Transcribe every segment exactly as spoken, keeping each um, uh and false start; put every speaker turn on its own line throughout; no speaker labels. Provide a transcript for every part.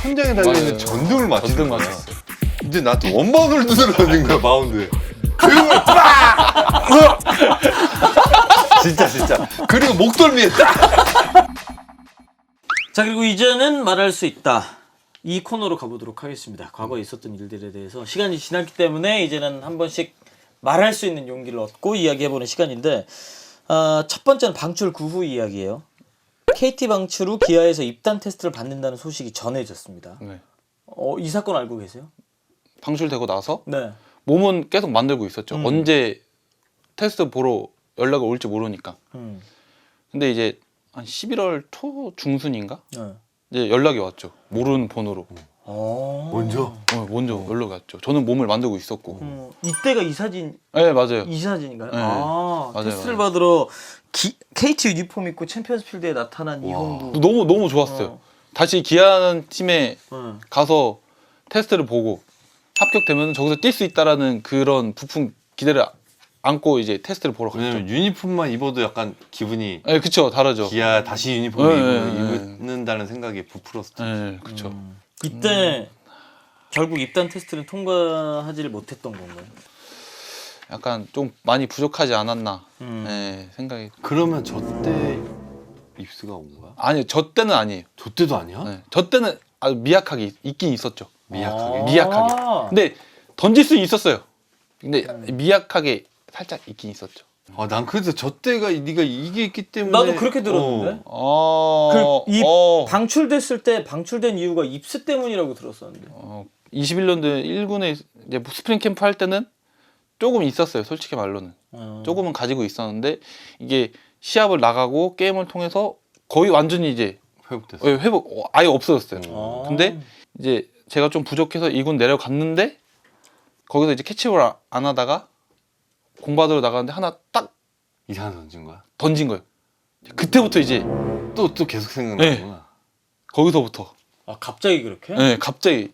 천장에 달려있는
맞아요.
전등을 맞추는
전등
거야.
맞췄어요.
이제 나한테 원바운드를 두드려 던진 거야, 마운드에. 그리고 빡! 진짜 진짜. 그리고 목덜미에 딱!
자, 그리고 이제는 말할 수 있다. 이 코너로 가보도록 하겠습니다. 과거에 있었던 일들에 대해서 시간이 지났기 때문에 이제는 한 번씩 말할 수 있는 용기를 얻고 이야기해보는 시간인데, 어, 첫 번째는 방출 구 후 이야기예요. 케이티 방출 후 기아에서 입단 테스트를 받는다는 소식이 전해졌습니다.
네.
어, 이 사건 알고 계세요?
방출되고 나서
네.
몸은 계속 만들고 있었죠.
음.
언제 테스트 보러 연락이 올지 모르니까.
음.
근데 이제 한 십일월 초 중순인가?
네.
이제 연락이 왔죠. 모르는 번호로.
어.
먼저?
어, 먼저 연락이 왔죠. 저는 몸을 만들고 있었고.
음, 이때가 이 사진,
네, 맞아요.
이 사진인가요?
네.
아,
맞아요,
테스트를
맞아요.
받으러 기, 케이티 유니폼 입고 챔피언스 필드에 나타난 이홍구.
너무 너무 좋았어요.
어.
다시 기아라는 팀에
네.
가서 테스트를 보고 합격되면 저기서 뛸 수 있다라는 그런 부푼 기대를 안고 이제 테스트를 보러 갔죠.
왜냐면 유니폼만 입어도 약간 기분이
네, 그쵸, 다르죠.
기아 다시 유니폼
네,
입-
네, 네.
입는다는 생각이 부풀었을 때.
네, 그쵸.
음. 이때 결국 입단 테스트는 통과하지를 못했던 건가요?
약간 좀 많이 부족하지 않았나
음.
네, 생각이.
그러면 저 때 입스가 온 거야?
아니요, 저 때는 아니에요.
저 때도 아니야?
네, 저 때는 아주 미약하게 있- 있긴 있었죠.
미약하게?
아.
미약하게. 근데 던질 수 있었어요. 근데
음.
미약하게 살짝 있긴 있었죠.
아, 난 그래서 저 때가 네가 이게 있기 때문에
나도 그렇게 들었는데.
어,
그 이
어,
방출됐을 때 방출된 이유가 입스 때문이라고 들었었는데.
어, 이십일 년도에 일 군에 이제 스프링 캠프 할 때는 조금 있었어요. 솔직히 말로는
어.
조금은 가지고 있었는데 이게 시합을 나가고 게임을 통해서 거의 완전히 이제
회복됐어.
예, 회복 어, 아예 없어졌어요.
아.
근데 이제 제가 좀 부족해서 이 군 내려갔는데 거기서 이제 캐치볼 아- 안 하다가 공 받으러 나가는데 하나 딱
이상한 던진 거야?
던진 거예요. 그때부터 이제
또 또 계속 생각나구나.
거기서부터
아, 갑자기 그렇게?
네, 갑자기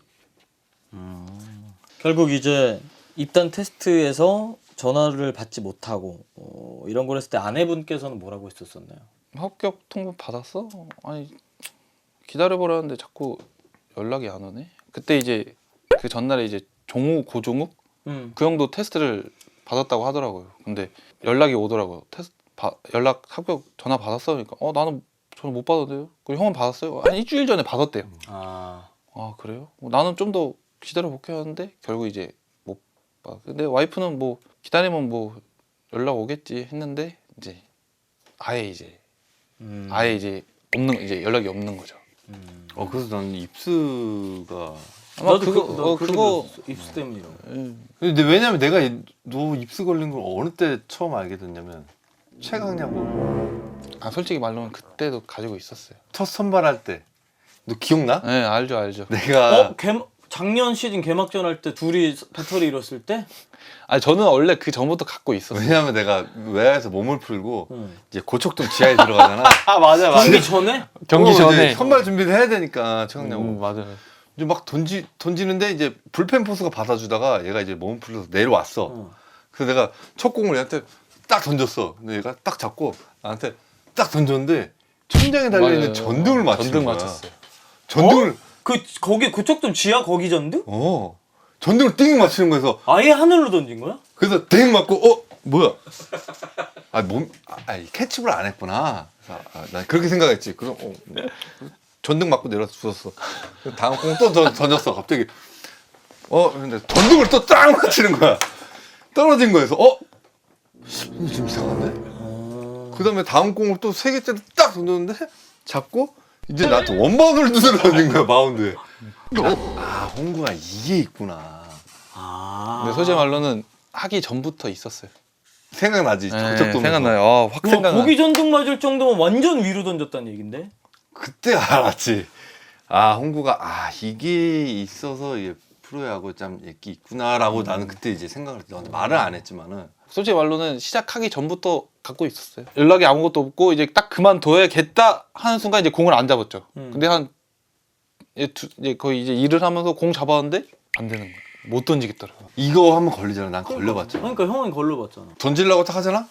결국 이제 입단 테스트에서 전화를 받지 못하고 어, 이런 걸 했을 때 아내분께서는 뭐라고 했었었나요?
합격 통보 받았어? 아니 기다려보라는데 자꾸 연락이 안 오네. 그때 이제 그 전날에 이제 종우 고종욱
음.
그 형도 테스트를 받았다고 하더라고요. 근데 연락이 오더라고요. 테스트 바, 연락 합격 전화 받았어? 그러니까 어 나는 저는 못 받았대요. 그리고 형은 받았어요. 한 일주일 전에 받았대요.
아.
아 그래요? 뭐 나는 좀 더 기다려 볼게 하는데 결국 이제 못 받. 근데 와이프는 뭐 기다리면 뭐 연락 오겠지 했는데 이제 아예 이제
음.
아예 이제 없는 이제 연락이 없는 거죠.
음.
어, 그래서 나는 입스가.
아마
나도
그거
그,
어, 그거
입스 때문이라고.
예.
근데 왜냐면 내가 이- 너 입스 걸린 걸 어느 때 처음 알게 됐냐면 최강야구
아 솔직히 말로는 그때도 가지고 있었어요.
첫 선발할 때. 너 기억나?
네 알죠 알죠.
내가
어? 개, 작년 시즌 개막전 할 때 둘이 배터리 잃었을 때?
아 저는 원래 그 전부터 갖고 있었어요.
왜냐면 내가 외야에서 몸을 풀고
응.
이제 고척동 지하에 들어가잖아.
아 맞아
경기 전에?
경기
어, 이제
전에
선발 준비를 해야 되니까 최강야구.
음, 맞아요.
이제 막 던지 던지는데 이제 불펜 포수가 받아주다가 얘가 이제 몸을 풀려서 내려왔어.
어.
그래서 내가 첫 공을 얘한테 딱 던졌어. 근데 얘가 딱 잡고 나한테 딱 던졌는데 천장에 달려 있는
맞아요.
전등을 맞추는
전등
거야.
맞췄어요.
전등을
그 거기 고척동 지하 거기 전등?
어, 전등을 띵 맞추는 거여서
아예 하늘로 던진 거야?
그래서 띵 맞고 어 뭐야? 아몸 아, 아니, 캐치볼 안 했구나. 그래서 아, 난 그렇게 생각했지. 그럼 어, 뭐, 전등 맞고 내려서 주웠어. 그래서 다음 공 또 던졌어. 갑자기 어 근데 전등을 또 딱 맞추는 거야. 떨어진 거에서 어 이거 좀 이상한데?
어...
그 다음에 다음 공을 또 세 개째로 딱 던졌는데 잡고 이제 나한테 원바운드를 두드려 던진 거야 마운드에. 아 홍구가 이게 있구나.
아.
근데 솔직히 말로는 하기 전부터 있었어요.
생각나지?
네,
적적
생각나요. 아, 확
와,
생각나.
고기 전등 맞을 정도면 완전 위로 던졌다는 얘긴데?
그때 알았지. 아 홍구가 아 이게 있어서 이게 프로야구 참 이게 있구나라고 나는 그때 이제 생각을 했지. 너한테 말을 안 했지만은
솔직히 말로는 시작하기 전부터 갖고 있었어요. 연락이 아무것도 없고 이제 딱 그만둬야겠다 하는 순간 이제 공을 안 잡았죠.
음.
근데 한 이제, 두, 이제 거의 이제 일을 하면서 공 잡았는데 안 되는 거야. 못 던지겠더라고.
이거 한번 걸리잖아. 난 걸려봤잖아.
그러니까 형은 걸려봤잖아.
던지려고 딱 하잖아.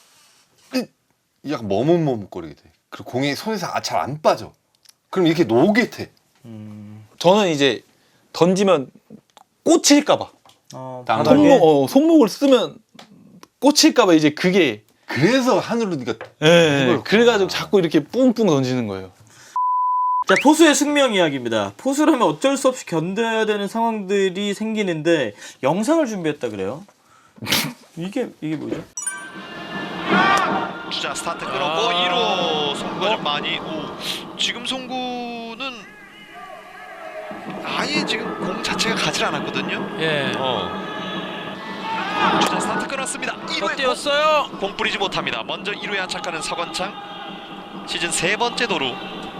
이 약간 머뭇머뭇거리게 돼. 그리고 공이 손에서 잘 안 빠져. 그럼 이렇게 노게 돼.
음.
저는 이제 던지면 꽂힐까봐
어,
땅
바닥에
손목 어, 손목을 쓰면 꽂힐까봐 이제 그게
그래서 하늘로 네가
예,
이걸-
그래가지고 자꾸 이렇게 뿡뿡 던지는 거예요.
자, 포수의 숙명 이야기입니다. 포수라면 어쩔 수 없이 견뎌야 되는 상황들이 생기는데 영상을 준비했다 그래요. 이게 이게 뭐죠?
주자 스타트 끊었고 이 루 송구가 좀 많이 오 지금 송구는 아예 지금 공 자체가 가질 않았거든요.
예.
어. 주자 스타트 끊었습니다. 이 루에
뛰었어요.
공, 공 뿌리지 못합니다. 먼저 이 루에 안착하는 서건창 시즌 세 번째 도루.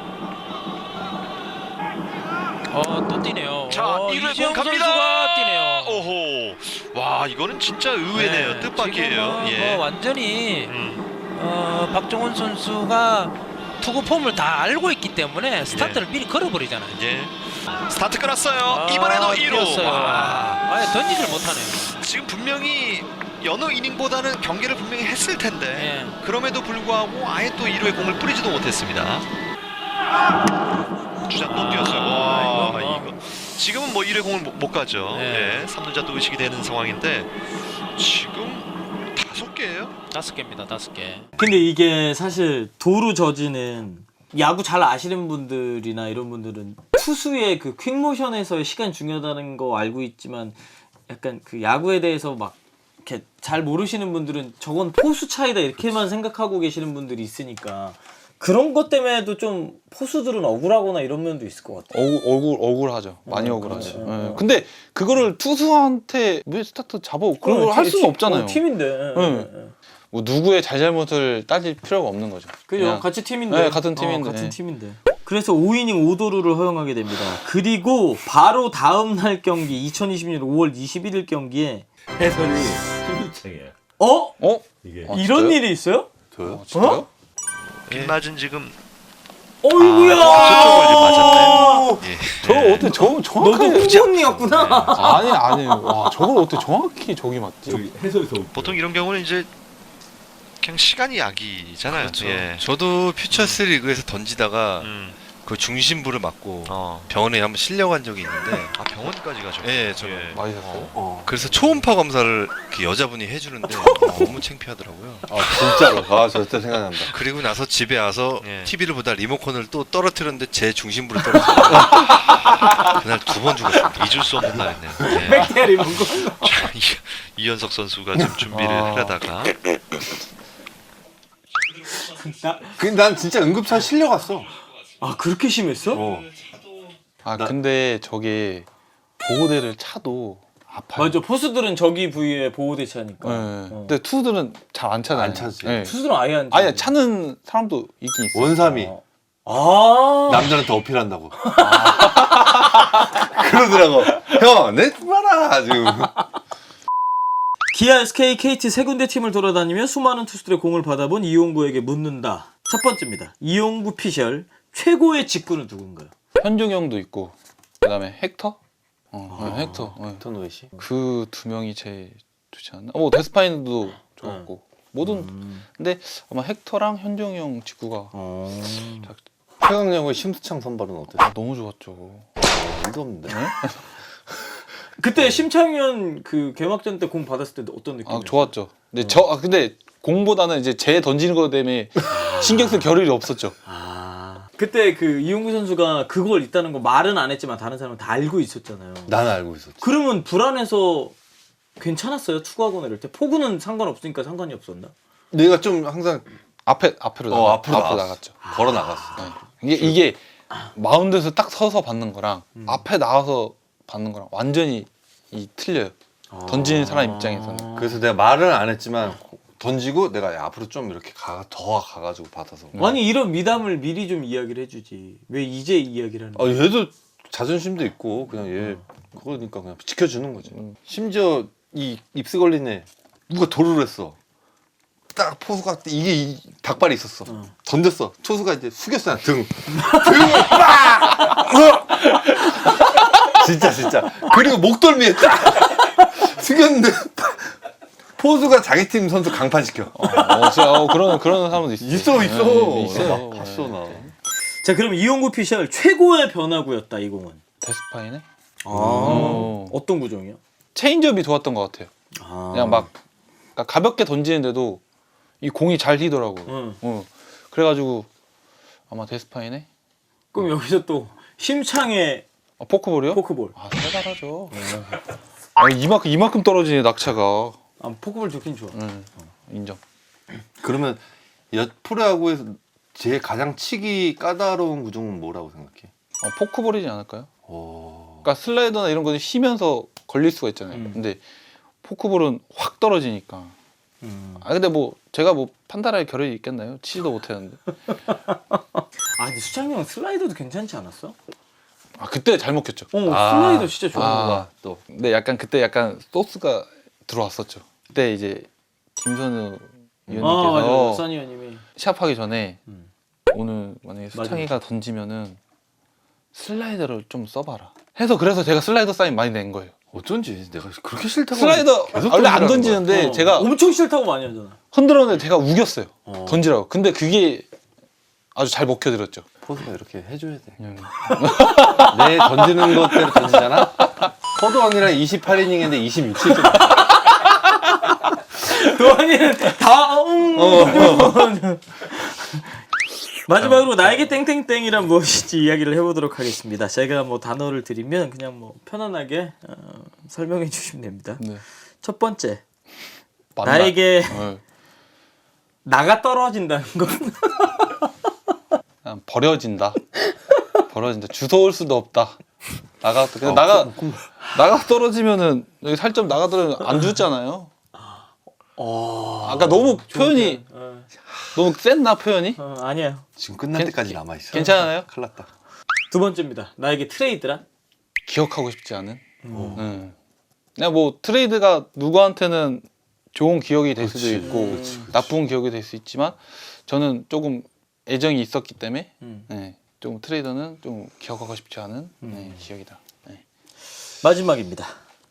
어, 또 뛰네요.
자
어,
이 루에 공
이지영
갑니다.
선수가 뛰네요.
오호. 와 이거는 진짜 의외네요.
네,
뜻밖이에요.
지금은
예.
뭐 완전히
음.
어, 박종훈 선수가 투구 폼을 다 알고 있기 때문에 스타트를 미리 걸어버리잖아요.
예. 스타트 끊었어요.
아,
이번에도 이 루.
뛰었어요.
와.
아예 던지질 못하네요.
지금 분명히 여느 이닝보다는 경기를 분명히 했을 텐데
예.
그럼에도 불구하고 아예 또 이 루에 공을 뿌리지도 못했습니다. 주자 또 뛰었어요. 와,
이건 뭐.
이거 지금은 뭐 이 루에 공을 못, 못 가죠.
네.
예, 삼 루자 또 의식이 되는 상황인데 지금 다섯 개예요.
다섯 개입니다. 다섯 개.
근데 이게 사실 도루 저지는 야구 잘 아시는 분들이나 이런 분들은 투수의 그 퀵모션에서의 시간 중요하다는 거 알고 있지만 약간 그 야구에 대해서 막 이렇게 잘 모르시는 분들은 저건 포수 차이다 이렇게만 생각하고 계시는 분들이 있으니까 그런 것 때문에도 좀 포수들은 억울하거나 이런 면도 있을 것 같아요.
억울 억울 억울하죠. 많이
어,
억울하죠.
그렇죠.
예.
어.
근데 그거를 투수한테 왜 스타트 잡아 그런 걸 할
팀-
수가
팀-
없잖아요.
어, 팀인데. 예,
응.
예, 예.
뭐 누구의 잘잘못을 따질 필요가 없는 거죠.
그죠?
그냥
같이 팀인데.
네, 같은 팀인데.
어, 같은 팀인데. 그래서 오 이닝 오 도루를 허용하게 됩니다. 그리고 바로 다음 날 경기 이천이십 년 오월 이십일일 경기에
해설이 신유창이야.
어?
어?
이게
아,
이런
진짜요?
일이 있어요?
저요?
진짜요?
빗맞은 지금
어이구야.
저쪽을 이제 맞았네. 예.
저 어떻게 저
너도
정확하게
후보님이었구나.
아니 아니 와 저걸 어떻게 정확히 저기 맞지?
저기 해설에서
보통 이런 경우는 이제 그냥 시간이 약이잖아요.
그렇죠.
예.
저도 퓨처스 리그에서 던지다가
음.
그 중심부를 맞고
어.
병원에 한번 실려간 적이 있는데
아 병원까지 가죠.
예, 저
많이 샀어요?
어.
그래서 초음파 검사를 그 여자분이 해주는데 너무 창피하더라고요.
아 진짜로. 아 저 진짜 생각난다.
그리고 나서 집에 와서
예.
티비를 보다 리모컨을 또 떨어뜨렸는데 제 중심부를 떨어뜨렸어요. 그날 두 번 죽었습니다.
잊을 수 없는 날이네요. 예.
백대리 먹고.
자, 이- 이현석 선수가 지금 준비를
아.
하려다가
근데 난 진짜 응급차 실려갔어.
아 그렇게 심했어?
어.
아
나-
근데 저게 보호대를 차도 아파요.
맞아. 포수들은 저기 부위에 보호대차니까.
네.
어.
근데 투수들은 잘 안 차잖아요.
안 차지.
네.
투수들은 아예 안.
아니 차는 사람도 있긴 있어.
원삼이
어. 아.
남자한테 어필한다고. 그러더라고. 형, 내 봐라 지금.
기아, 에스케이, 케이티 세 군데 팀을 돌아다니며 수많은 투수들의 공을 받아본 이용구에게 묻는다. 첫 번째입니다. 이용구 피셜 최고의 직구는 누군가요?
현중 형도 있고 그다음에 헥터. 어, 네, 헥터. 네.
토노이시.
그 두 명이 제일 좋지 않나? 뭐 데스파인도 좋았고 모든
음.
근데 아마 헥터랑 현중 형 직구가
어.
최강령의 심수창 선발은 어땠어?
아, 너무 좋았죠.
일도 없는데.
그때 심창현 그 개막전 때 공 받았을 때 어떤 느낌?
아 좋았죠. 근데 저 아, 근데 공보다는 이제 제 던지는 거 때문에 신경 쓸 겨를이 없었죠.
아. 그때 그 이용구 선수가 그걸 있다는 거 말은 안 했지만 다른 사람은 다 알고 있었잖아요.
나는 알고 있었지.
그러면 불안해서 괜찮았어요? 투구하거나 이럴 때? 포구는 상관없으니까 상관이 없었나?
내가 좀 항상
앞에 앞으로
어
나가,
앞으로,
앞으로
나갔어.
나갔죠.
걸어 나갔어.
네. 이게 이게 마운드에서 딱 서서 받는 거랑 앞에 나와서 받는 거랑 완전히 이 틀려요. 던지는 사람 입장에서는.
그래서 내가 말은 안 했지만 던지고 내가 야, 앞으로 좀 이렇게 가, 더 가가지고 받아서.
아니 이런 미담을 미리 좀 이야기를 해주지. 왜 이제 이야기를 하는
아
거야?
얘도 자존심도 있고 그냥 얘 그러니까 그냥 지켜주는 거지. 심지어 이 입스 걸린 애 누가 도루를 했어. 딱 포수가 이게 이 닭발이 있었어.
어.
던졌어. 투수가 이제 숙였어 등. 등을 빡! 어! 진짜 진짜. 그리고 목덜미에 딱 숙였는데 포수가 자기 팀 선수 강판시켜.
어, 어, 진짜 어, 그런 그런 사람도 있어요.
있어 있어.
네, 있어요.
나 봤어 나.
자 그럼 이용구 피셜 최고의 변화구였다 이 공은.
데스파이네.
아,
어.
어떤 구종이요?
체인지업이 좋았던 것 같아요.
아.
그냥 막 그러니까 가볍게 던지는데도 이 공이 잘 휘더라고.
응.
어. 그래가지고 아마 데스파이네.
그럼 여기서 또 힘창의
아, 포크볼이요?
포크볼.
아, 살살하죠. 아, 이만큼 이만큼 떨어지네 낙차가.
아, 포크볼 좋긴 좋아.
응, 인정.
그러면 여 프로야구에서 제일 가장 치기 까다로운 구종은 뭐라고 생각해?
어, 포크볼이지 않을까요?
오.
그러니까 슬라이더나 이런 거는 쉬면서 걸릴 수가 있잖아요.
음.
근데 포크볼은 확 떨어지니까.
음.
아 근데 뭐 제가 뭐 판단할 겨를이 있겠나요? 치지도 못했는데.
아, 근데 수창이 형 슬라이더도 괜찮지 않았어?
아 그때 잘 먹혔죠.
어,
아.
슬라이더 진짜 좋은
아.
거야.
또
근데 약간 그때 약간 소스가 들어왔었죠. 그때 이제 김선우
아, 맞아요.
위원님께서
써니 형님이.
시합하기 전에
음.
오늘 만약에 수창이가 던지면은 슬라이더를 좀 써봐라. 해서 그래서 제가 슬라이더 사인 많이 낸 거예요.
어쩐지 내가 그렇게 싫다고
슬라이더
계속
원래 안
던지라는
던지는데
어,
제가
엄청 싫다고 많이 하잖아.
흔들었는데 제가 우겼어요.
어.
던지라고. 근데 그게 아주 잘 먹혀들었죠.
포수가 이렇게 해줘야 돼.
그냥
내 던지는 것대로 던지잖아. 포도 언니랑 이십팔 이닝인데 이십육 칠 점.
도환이는 다 응. 마지막으로 나에게 땡땡땡이란 무엇인지 이야기를 해보도록 하겠습니다. 제가 뭐 단어를 드리면 그냥 뭐 편안하게 어, 설명해 주시면 됩니다.
네.
첫 번째,
만나-
나에게
어,
나가 떨어진다는 건
그냥 버려진다. 버려진다. 주워올 수도 없다. 나가
어,
그냥 나가 나가 떨어지면은 여기 살점 나가 떨어지면 안 죽잖아요.
어,
아까 너무 표현이
어,
너무 센나 표현이?
어, 아니에요.
지금 끝날
괜-
때까지 남아 있어.
괜찮아요?
큰일 났다.
두 번째입니다. 나에게 트레이드란?
기억하고 싶지 않은. 음. 그냥 뭐 트레이드가 누구한테는 좋은 기억이 될 수도 있고
그치,
나쁜 기억이 될 수 있지만 저는 조금 애정이 있었기 때문에
음.
네, 좀 트레이더는 좀 기억하고 싶지 않은 네, 기억이다. 네.
마지막입니다.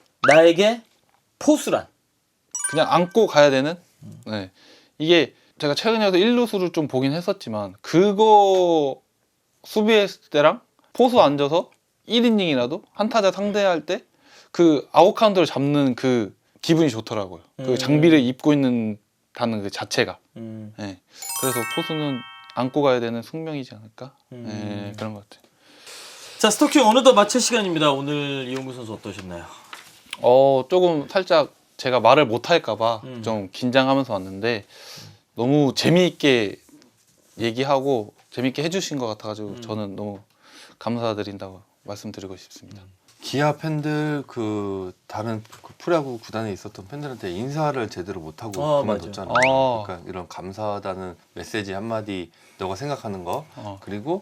나에게 포수란?
그냥 안고 가야 되는. 네. 이게 제가 최근에 와서 일 루수를 좀 보긴 했었지만 그거 수비했을 때랑 포수 앉아서 일 이닝이라도 한 타자 상대할 때 그 아웃 카운트를 잡는 그 기분이 좋더라고요.
음.
그 장비를 입고 있는다는 그 자체가.
음.
네. 그래서 포수는 안고 가야 되는 숙명이지 않을까?
음.
네, 그런 것 같아요.
자, 스토킹 어느덧 마칠 시간입니다. 오늘 이용구 선수 어떠셨나요?
어 조금 살짝 제가 말을 못 할까봐
음.
좀 긴장하면서 왔는데 너무 재미있게 얘기하고 재미있게 해주신 것 같아가지고
음.
저는 너무 감사드린다고 말씀드리고 싶습니다.
기아 팬들 그 다른 그 프로야구 구단에 있었던 팬들한테 인사를 제대로 못 하고
어,
그만뒀잖아.
맞아. 어.
그러니까 이런 감사하다는 메시지 한마디 너가 생각하는 거
어.
그리고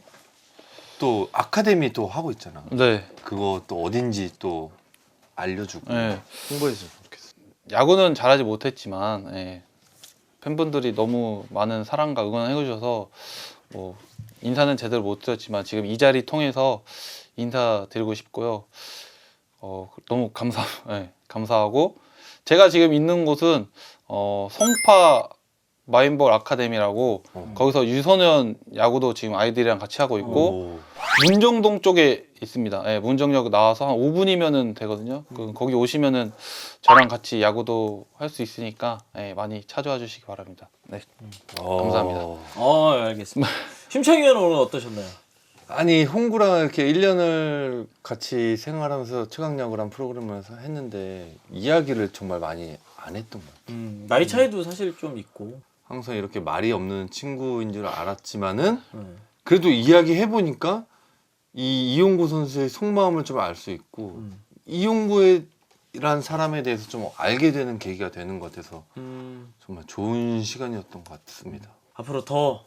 또 아카데미 또 하고 있잖아.
네,
그거 또 어딘지 또 알려주고
네.
홍보해주면 좋겠어.
야구는 잘하지 못했지만 예, 팬분들이 너무 많은 사랑과 응원을 해주셔서 뭐 인사는 제대로 못 드렸지만 지금 이 자리 통해서 인사드리고 싶고요. 어, 너무 감사, 예, 감사하고 제가 지금 있는 곳은 어, 송파 마인볼 아카데미라고
어.
거기서 유소년 야구도 지금 아이들이랑 같이 하고 있고
오.
문정동 쪽에 있습니다. 예, 문정역 나와서 한 오 분이면은 되거든요. 그, 거기 오시면은 저랑 같이 야구도 할 수 있으니까 예, 많이 찾아와 주시기 바랍니다. 네.
어.
감사합니다.
어, 알겠습니다. 심창희 의원은 오늘 어떠셨나요?
아니 홍구랑 이렇게 일 년을 같이 생활하면서 최강야구란 프로그램을 해서 했는데 이야기를 정말 많이 안 했던 것 같아요.
음, 나이 차이도 사실 좀 있고.
항상 이렇게 말이 없는 친구인 줄 알았지만은
음.
그래도 이야기 해보니까 이 이용구 선수의 속마음을 좀 알 수 있고
음.
이용구란 사람에 대해서 좀 알게 되는 계기가 되는 것 같아서
음,
정말 좋은 시간이었던 것 같습니다.
앞으로 더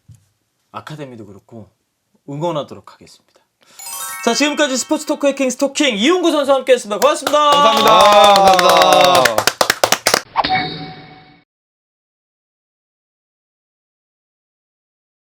아카데미도 그렇고 응원하도록 하겠습니다. 자, 지금까지 스포츠 토크 해킹 스토킹 이용구 선수와 함께했습니다. 고맙습니다.
감사합니다. 감사합니다.